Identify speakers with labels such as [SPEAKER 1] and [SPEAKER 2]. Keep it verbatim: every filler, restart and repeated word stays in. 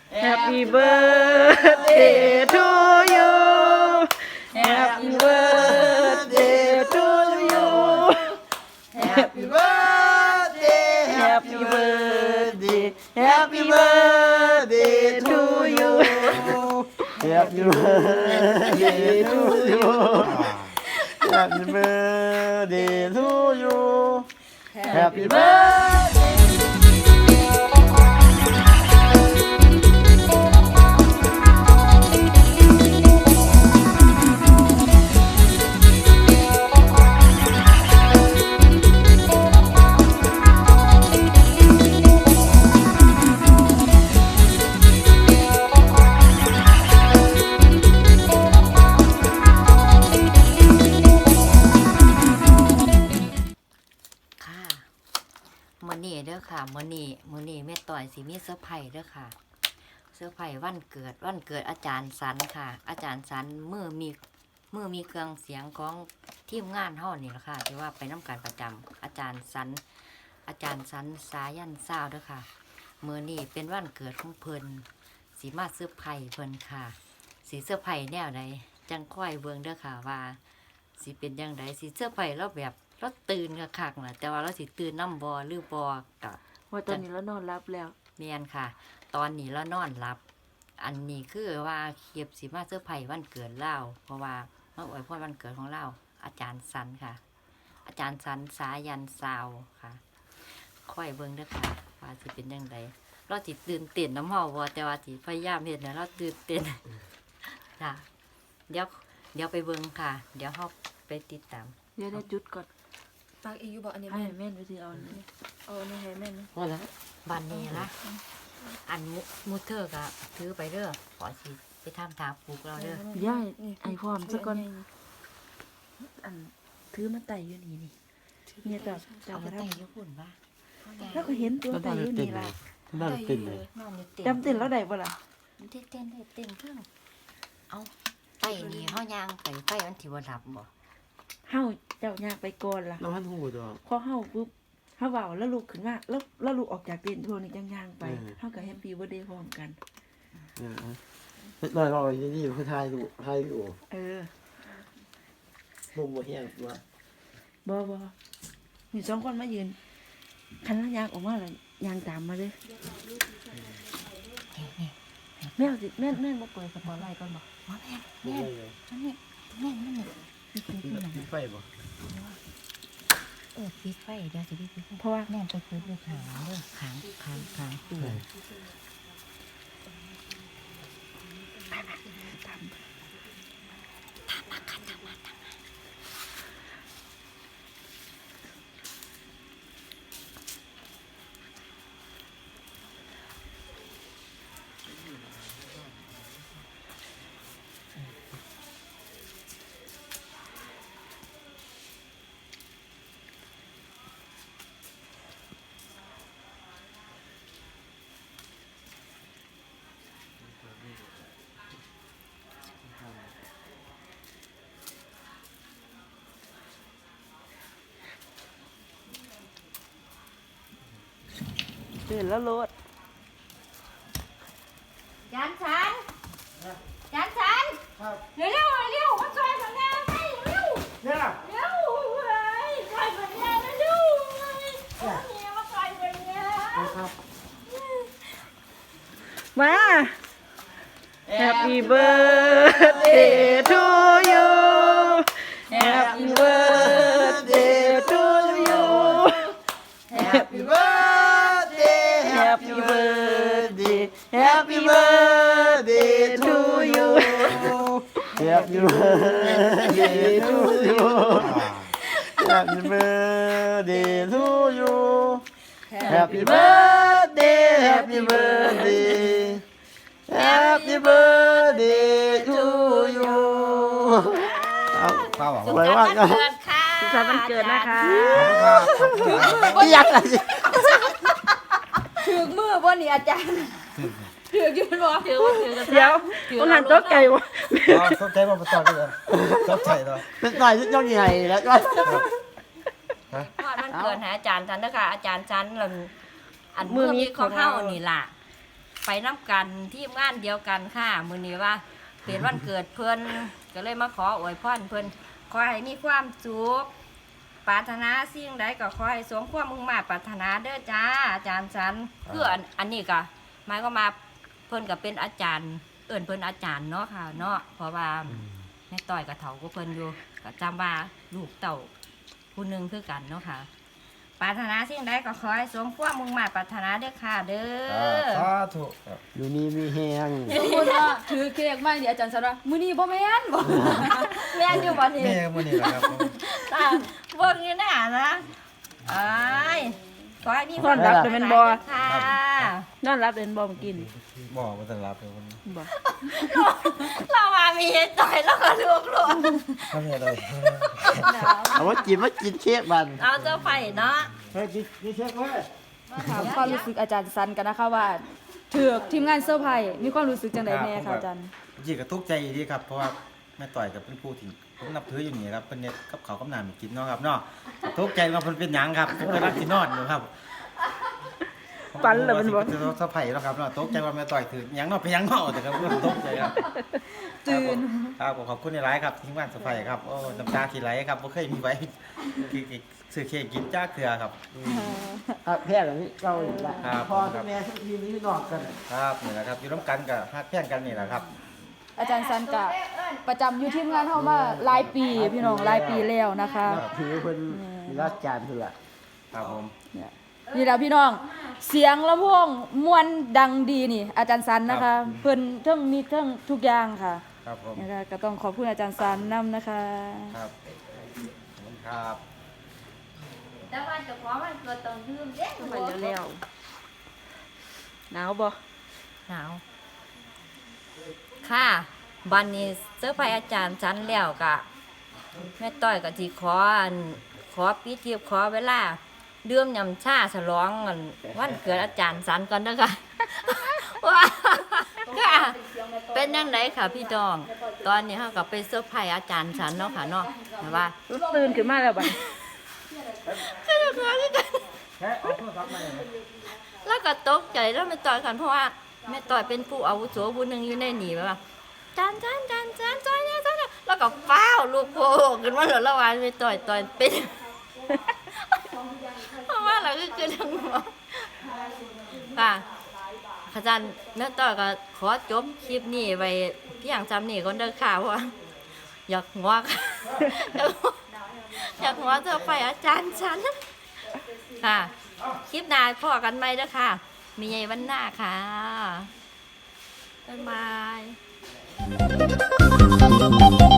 [SPEAKER 1] Happy birthday to you Happy birthday to you Happy birthday Happy birthday Happy birthday to you
[SPEAKER 2] Happy birthday to you Happy birthday to you Happy birthday
[SPEAKER 3] มื้อนี้เด้อค่ะมื้อนี้มื้อนี้แม่ต่อยสิมีเซอร์ไพรส์เด้อค่ะเซอร์ไพรส์วันเกิดวันเกิดอาจารย์สันค่ะ อาจารย์สันมือมีมือมีเครื่องเสียงของทีมงานเฮานี่ล่ะค่ะที่ว่าไปนำการประจำอาจารย์สันอาจารย์สันสายันซาวเด้อค่ะมื้อนี้เป็นวันเกิดของเพิ่นสิมาเซอร์ไพรส์เพิ่นค่ะสิเซอร์ไพรส์แนวใดจังค่อยเบิ่งเด้อค่ะว่าสิเป็นจังไดสิเซอร์ไพรส์เราแบบเราตื่นคักๆน่ะแต่ว่าเราสิตื่นนำบ่หรือบ่ก็
[SPEAKER 1] ว่าตอนนี้เรานอนรับแล้ว
[SPEAKER 3] แม่นค่ะ ตอนนี้เรานอนหลับ อันนี้คือว่าเคียบสิมาเซอร์ไพรส์วันเกิดเล่าเพราะว่ามาอวยพรวันเกิดของเราอาจารย์สันค่ะ อาจารย์สันสายันซาวค่ะค่อยเบิ่งเด้อค่ะว่าสิเป็นจังไดเราสิตื่นเต้นน้ำเฮาบ่แต่ว่าสิพยายามเฮ็ดให้เราตื่นเต้น จ้ะเดี๋ยวเดี๋ยวไปเบิ่งค่ะ เดี๋ยวเฮาไปติดตาม
[SPEAKER 1] เดี๋ยวได้จุดก่อน
[SPEAKER 4] ปากอีกอยู่บอกอันนี้
[SPEAKER 1] ให้
[SPEAKER 4] แม่น
[SPEAKER 1] แม่นไปถือเอาอันนี้
[SPEAKER 4] เอาอันนี้ให้แม่นนะ
[SPEAKER 2] พอแล้ว
[SPEAKER 3] บ้านนี้นะอันมุมูเธอก็ถือไปเด้อขอสิไปทำทางปลูกเราเด้อ
[SPEAKER 1] ย่ายไอ้พร้อมซะก่อนอันถือมาไต่อยู่นี่นี่เนี่ยจับจั
[SPEAKER 3] เอา
[SPEAKER 1] บ
[SPEAKER 3] ไป
[SPEAKER 1] มา
[SPEAKER 3] แต่ง
[SPEAKER 1] ทำ
[SPEAKER 3] ญี่ปุ่นป่ะ
[SPEAKER 1] แล้วก็เห็นตัว
[SPEAKER 2] ก็
[SPEAKER 1] ไต่
[SPEAKER 2] ได้
[SPEAKER 1] อยู่
[SPEAKER 2] เต้น
[SPEAKER 1] นี่
[SPEAKER 2] เล
[SPEAKER 1] ล่ะ
[SPEAKER 2] ยได้เต้นเลย
[SPEAKER 3] นอนอยู่เต็ม
[SPEAKER 1] จำเต้นแล้วได้ปะล่ะ
[SPEAKER 3] มันเต้นเต้นได้เต้นเครื่องเอาไต่นี่เฮายางไปไฟมันสิบ่ดับบ่
[SPEAKER 1] เฮาเจ้ายากไปก่อนล่ะ
[SPEAKER 2] น้ำพันหูตัว
[SPEAKER 1] พอเฮาปุ๊บเฮาเว้าแล้วลุกขึ้นมาแล้วแล้วลุกออกจากเต็นท์พวกนี้จังย่างไป
[SPEAKER 2] เออ
[SPEAKER 1] เฮาก็แฮปปี้เบิร์ธเดย์พร้อมกัน
[SPEAKER 2] เออลอยลอยนี่อยู่คือทายดูทายอยู่
[SPEAKER 1] เออ
[SPEAKER 2] มุมบ่แห้งว่า
[SPEAKER 1] บ่บ่มีสองคนมายืนคันแล้วยางออกมาแล้วยางตามมาเลยแม่เอาสิแม่แม่บ่เปิดสปอตไลท์ก่อนบ่
[SPEAKER 3] มาแม่นแม่นอันนี้แม่นมันนี่นี่คือที่ไหน
[SPEAKER 2] ไฟบ่
[SPEAKER 3] เออปิดไฟเดี๋ยวสิปิดไฟ
[SPEAKER 1] เพราะว่า
[SPEAKER 3] แม่นไปเปิดด้วยขางเด้อขางขางขางตู้
[SPEAKER 1] เดินแล้วรถ
[SPEAKER 4] จานฉันจานฉันเร็วเร็วเร็วมาช่วยสัญญาให้เร็ว
[SPEAKER 2] เนี่ย
[SPEAKER 4] เร็วเฮ้ยช่วยสัญญานะเร็วเฮ้ยเนี่ยมาช่วยสัญญา
[SPEAKER 2] ครับ
[SPEAKER 1] มา Happy birthday to you Happy birthday to you
[SPEAKER 2] Happy birthday
[SPEAKER 1] Happy birthday Happy birthday to you
[SPEAKER 2] Happy birthday to you Happy birthday to you Happy birthday Happy birthday Happy birthday to you เอาข้าวไว้ว่ากัน
[SPEAKER 4] เกิดค่ะ
[SPEAKER 1] สุขสันต์วันเกิดนะคะ
[SPEAKER 2] ไม่อยากอะไร
[SPEAKER 4] ถึงมือบ่นี่อาจารย์ถึงยืนบ่ถือว่าถือ
[SPEAKER 1] เดี๋ยวต้องหันโต๊ะไก่วะ
[SPEAKER 5] สนใจมาประจำเลยสนใจเลย
[SPEAKER 2] เป็นหน่อยที่ย่องใหญ่แล้วก็
[SPEAKER 3] พอดมันเกิดหาอาจารย์ฉันเด้อค่ะอาจารย์ฉันลำอันมือมีของเฮานี่ล่ะไปน้ำกันทีมงานเดียวกันค่ะมื้อนี้ว่าเป็นวันเกิดเพิ่นก็เลยมาขออวยพรเพิ่นขอให้มีความสุขปรารถนาสิ่งใดก็ขอให้สมความมุ่งมั่นปรารถนาเด้อจ้าอาจารย์สันคืออันอันนี้ก็หมายก็มาเพิ่นก็เป็นอาจารย์เอิ่นเพิ่นอาจารย์เนาะค่ะเนาะเพราะว่าแม่ต้อยกับเฒ่าก็เพิ่นอยู่ก็จำว่าลูกเต่าผู้หนึงคือกันเนาะค่ะปรารถนาสิ่งใดก็ขอให้สมความมุ่งมั่นปรารถนาเด้อค่ะเด้อ
[SPEAKER 5] สาธุครับ
[SPEAKER 2] อยู่นี่มีแฮง
[SPEAKER 1] สมมุติว่าถือเค้กมานี่อาจารย์สันว่ามื้อนี้บ่แม่นบ่
[SPEAKER 3] แม่นอยู่บ่นี่
[SPEAKER 5] แม่มื้อนี้แหละครับผม
[SPEAKER 3] ตาเบิ่งอยู่หน้านะอ้ายขอให้มี
[SPEAKER 1] นอนรับเป็นบ่
[SPEAKER 3] ค่ะ
[SPEAKER 1] นอนรับเป็นบ่เมื่อกี้นี่
[SPEAKER 5] บ่บ่ทันรับเลยคนนี้
[SPEAKER 1] บ่
[SPEAKER 3] เรามามีเฮ็ดต่อยแล้วก็ลูกหลาน
[SPEAKER 5] ทำยังไง
[SPEAKER 2] เอาว่ากินว่ากินเค้กบัน
[SPEAKER 3] เอาเจ้าไฟเนาะ
[SPEAKER 2] เฮ้ยกินกินเค้กเว้ย
[SPEAKER 1] ถามความรู้สึกอาจารย์สันกันนะคะว่าถือกทีมงานเซอร์ไพรส์มีความรู้สึกจังไดแม่คะอาจารย์
[SPEAKER 5] จริงก็ทุกข์ใจดีครับเพราะว่าแม่ต่อยกับเป็นผู้ที่ผมนับถืออยู่นี่ครับเป็นเน็ตกับเขาวกับน้ำกินเนาะครับเนาะทุกข์ใจว่าเพิ่นเป็นหยังครับผมกำลังสินอนอยู่ครับ
[SPEAKER 1] ฝันเหรอมันบ่
[SPEAKER 5] จะสะไผ่แล้วครับเนาะตกใจว่าแม่ต่อยถือหยังเนาะไปหยังเนาะแต่ครับเพิ่นตกใจครับ
[SPEAKER 1] ตื่น
[SPEAKER 5] ครับผมขอบคุณในไลฟ์ครับทีมงานสะไผ่ครับโอ้น้ำตาที่ไหลครับบ่เคยมีไว้คือซื้อเค้กกินจ้าเกลือครับ
[SPEAKER 2] อ่ะแพทย์แบบนี้เราอีกละ
[SPEAKER 5] ครับ
[SPEAKER 2] พอทุกแม่ทุกทีมนี้นอกกัน
[SPEAKER 5] ครับนี่แหละครับอยู่ร่วมกันกับฮักแพ่งกันนี่แหละครับ
[SPEAKER 1] อาจารย์สันกะประจำอยู่ทีมงานเฮามาหลายปีพี่น้องหลายปีแล้วนะคะ
[SPEAKER 2] ถือเป็นมีราชการเถื่อ
[SPEAKER 5] ครับผม
[SPEAKER 1] เนี่ยนี่แหละพี่น้องเสียงลำโพงมวนดังดีนี่ อาจารย์สันนะคะเพิ่นเทั้งมีเทั้งทุกอย่างค่ะ
[SPEAKER 5] ครับผม
[SPEAKER 1] นะคะก็ต้องขอบคุณอาจารย์สันนํนะคะ
[SPEAKER 5] ครับขอบคุณครับ
[SPEAKER 3] แต่ว่าเจ้าของมันเกิดต้องดื่มเด้
[SPEAKER 1] ไปเร็วๆหนาวบ่
[SPEAKER 3] หนาวค่ะบัดนี้เสื้อผ้าอาจารย์สันแล้วก็แม่ต้อยก็สิขออันขอปิดเทียบขอเวลาดื่มยำชาฉลองอันวันเกิดอาจารย์สันก่อนเด้อค่ะ ว่าค่ะเป็นยังไงค่ะพี่ดอง ตอนนี้เขาก็ไปเซอร์ไพรส์อาจารย์สันเนาะค่ะเนาะแต่ว่า
[SPEAKER 1] ตื่นขึ้นมาแล้วบัด
[SPEAKER 3] ก็จะขอคือกัน
[SPEAKER 5] แค่เอาโทรศัพท์มาเลย
[SPEAKER 3] แล้วก็ตกใจแล้วแม่ต่อยกันเพราะว่าแม่ต่อยเป็นผู้อาวุโสผู้หนึ่งอยู่ในหนีแบบว่าจานจานจานจานจอยเนี่ยจอยเนี่ยแล้วก็ฟ้าวลูกโป่งขึ้นมาเหลือละวันแม่ต่อยต่อยเป็น เพราะว่าเราก็คือทั้งหัวค่ะอาจารย์แม่ต่อยก็ขอจบคลิปนี้ไว้เพียงจำนี่ก่อนเด้อค่ะเพราะว่าอยากหัวค่ะอยากหัวเธอไปอาจารย์ฉันค่ะ คลิปหน้าพอกันไหมเด้อค่ะ มีใหญ่วันหน้าค่ะ บ๊ายบาย